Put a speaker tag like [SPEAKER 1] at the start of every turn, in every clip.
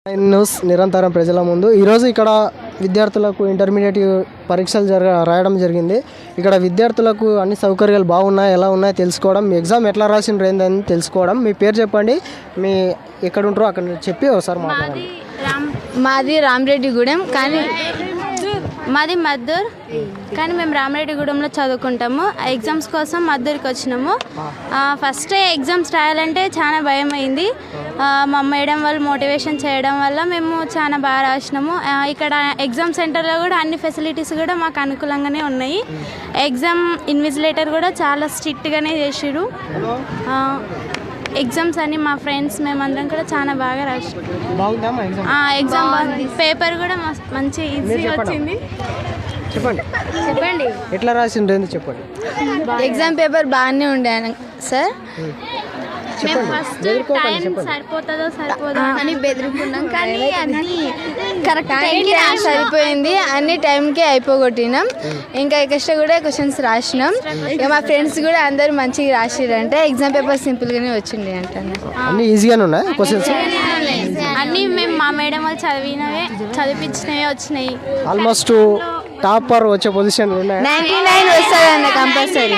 [SPEAKER 1] News నిరంతరం ప్రజల ముందు ఈరోజు ఇక్కడ విద్యార్థులకు ఇంటర్మీడియట్ పరీక్షలు రాయడం జరిగింది. ఇక్కడ విద్యార్థులకు అన్ని సౌకర్యాలు బాగున్నాయి, ఎలా ఉన్నాయో తెలుసుకోవడం, మీ ఎగ్జామ్ ఎట్లా రాసిండ్రు ఏందని తెలుసుకోవడం. మీ పేరు చెప్పండి, మీ ఎక్కడ ఉంటారో అక్కడ చెప్పి ఒకసారి మాట్లాడండి.
[SPEAKER 2] మాది రామరెడ్డిగూడెం, కానీ మాది మద్దూర్, కానీ మేము రామరెడ్డిగూడెంలో చదువుకుంటాము. ఎగ్జామ్స్ కోసం మద్దూరికి వచ్చినాము. ఫస్ట్ ఎగ్జామ్స్ రాయాలంటే చాలా భయం అయింది. మా మేడం వాళ్ళు మోటివేషన్ చేయడం వల్ల మేము చాలా బాగా రాసినాము. ఇక్కడ ఎగ్జామ్ సెంటర్లో కూడా అన్ని ఫెసిలిటీస్ కూడా మాకు అనుకూలంగానే ఉన్నాయి. ఎగ్జామ్ ఇన్విజిలేటర్ కూడా చాలా స్ట్రిక్ట్గానే చేసిరు. ఎగ్జామ్స్ అన్ని మా ఫ్రెండ్స్ మేమందరం కూడా చాలా బాగా రాసినాం. ఎగ్జామ్ పేపర్ కూడా మంచి ఈజీ వచ్చింది.
[SPEAKER 1] చెప్పండి ఎట్లా రాసిండ్రు చెప్పండి.
[SPEAKER 2] ఎగ్జామ్ పేపర్ బాగానే ఉండే సార్. మేము ఫస్ట్ టైం సరిపోతుందో అని బెదిరికున్నాం, కానీ అన్నీ కరెక్ట్ టైంకి సరిపోయింది. అన్ని టైంకే అయిపోగొట్టినాం. ఇంకా ఎక్స్ట్రా కూడా క్వశ్చన్స్ రాసినాం. ఇక మా ఫ్రెండ్స్ కూడా అందరూ మంచిగా రాసిరంటే ఎగ్జామ్ పేపర్ సింపుల్గానే వచ్చింది అంటాను.
[SPEAKER 1] అన్ని ఈజీగానే ఉన్నాయి క్వశ్చన్స్.
[SPEAKER 2] అన్నీ మేము మా మేడం వాళ్ళు చదివించినవే వచ్చినాయి.
[SPEAKER 1] ఆల్మోస్ట్ టాపర్ వచ్చే పొజిషన్
[SPEAKER 2] 99 వస్తాయండి కంపల్సరీ.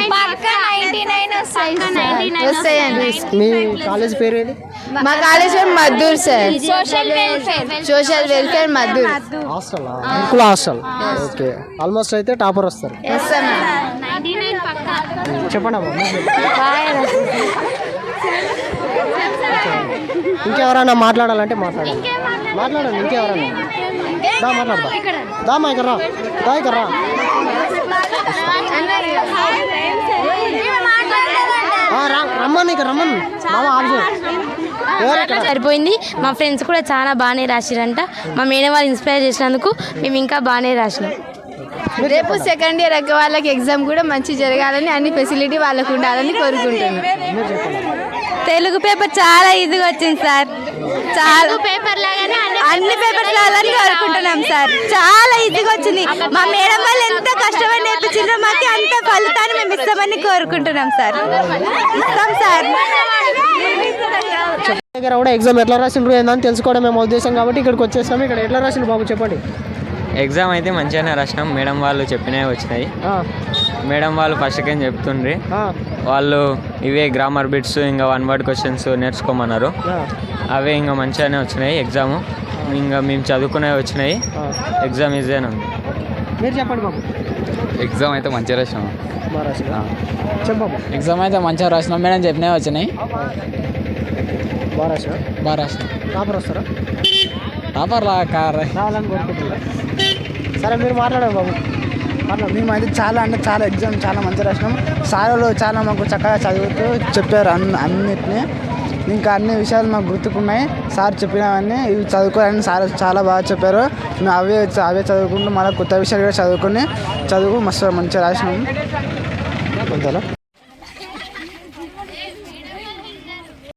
[SPEAKER 1] మీ కాలేజ్ పేరు ఏది?
[SPEAKER 2] మా కాలేజ్ పేరు Maddur sir. Social welfare Maddur
[SPEAKER 1] hostel. Okay, almost అయితే టాపర్ వస్తారు. చెప్పండి అమ్మా. ఇంకెవరైనా మాట్లాడాలంటే మాట్లాడండి. ఇంకెవరైనా మాట్లాడదా? దామా ఇక్కడ రా. రమ్మని
[SPEAKER 3] సరిపోయింది. మా ఫ్రెండ్స్ కూడా చాలా బాగానే రాసిరంట. మా మేడం వాళ్ళు ఇన్స్పైర్ చేసినందుకు మేము ఇంకా బాగానే రాసినాం.
[SPEAKER 2] రేపు సెకండ్ ఇయర్ వాళ్ళకి ఎగ్జామ్ కూడా మంచి జరగాలని, అన్ని ఫెసిలిటీ వాళ్ళకు ఉండాలని కోరుకుంటున్నాం.
[SPEAKER 3] తెలుగు పేపర్ చాలా ఈజీగా వచ్చింది సార్. చాలా పేపర్ లాగానే అన్ని పేపర్స్ లాగానే కోరుకుంటున్నాం సార్. చాలా ఈజీగా వచ్చింది. మా మేడం వాళ్ళు ఎంత కష్టపడి నేర్పించారో మాకు అంత ఫలితాన్ని మేము ఇస్తామని కోరుకుంటున్నాం సార్.
[SPEAKER 1] దగ్గర కూడా ఎగ్జామ్ ఎట్లా రాసిండ్రు ఏందని తెలుసుకోవడం మేము ఉద్దేశం కాబట్టి ఇక్కడికి వచ్చేసాము. ఇక్కడ ఎట్లా రాసిండ్రు బాబు చెప్పండి.
[SPEAKER 4] ఎగ్జామ్ అయితే మంచిగానే రాసినాం. మేడం వాళ్ళు చెప్పినవి వచ్చినాయి. మేడం వాళ్ళు ఫస్ట్కేం చెప్తుండ్రి, వాళ్ళు ఇవే గ్రామర్ బిట్స్ ఇంకా 1 వర్డ్ క్వశ్చన్స్ నేర్చుకోమన్నారు. అవే ఇంకా మంచిగానే వచ్చినాయి. ఎగ్జామ్ ఇంకా మేము చదువుకునేవి వచ్చినాయి. ఎగ్జామ్ ఈజీగానే ఉంది.
[SPEAKER 1] మీరు చెప్పండి బాబు.
[SPEAKER 5] ఎగ్జామ్ అయితే మంచిగా రాసినాం.
[SPEAKER 1] ఎగ్జామ్
[SPEAKER 5] అయితే మంచిగా రాసినాం. మేడం చెప్పినవి వచ్చినాయి. బాగా రాసినాం.
[SPEAKER 1] టాపర్ వస్తారా?
[SPEAKER 5] టాపర్
[SPEAKER 1] రావాలని కోరుకుంటున్నారు. సరే మీరు మాట్లాడారు బాబు.
[SPEAKER 6] మేమైతే చాలా ఎగ్జామ్ చాలా మంచిగా రాసినాం. సార్లు చాలా మాకు చక్కగా చదువుతూ చెప్పారు అన్నిటినీ. ఇంకా అన్ని విషయాలు మాకు గుర్తుకున్నాయి. సార్ చెప్పినవన్నీ ఇవి చదువుకోవాలని సార్ చాలా బాగా చెప్పారు. మేము అవే చదువుకుంటూ మళ్ళీ కొత్త విషయాలు కూడా చదువు మస్తు మంచిగా రాసినాం.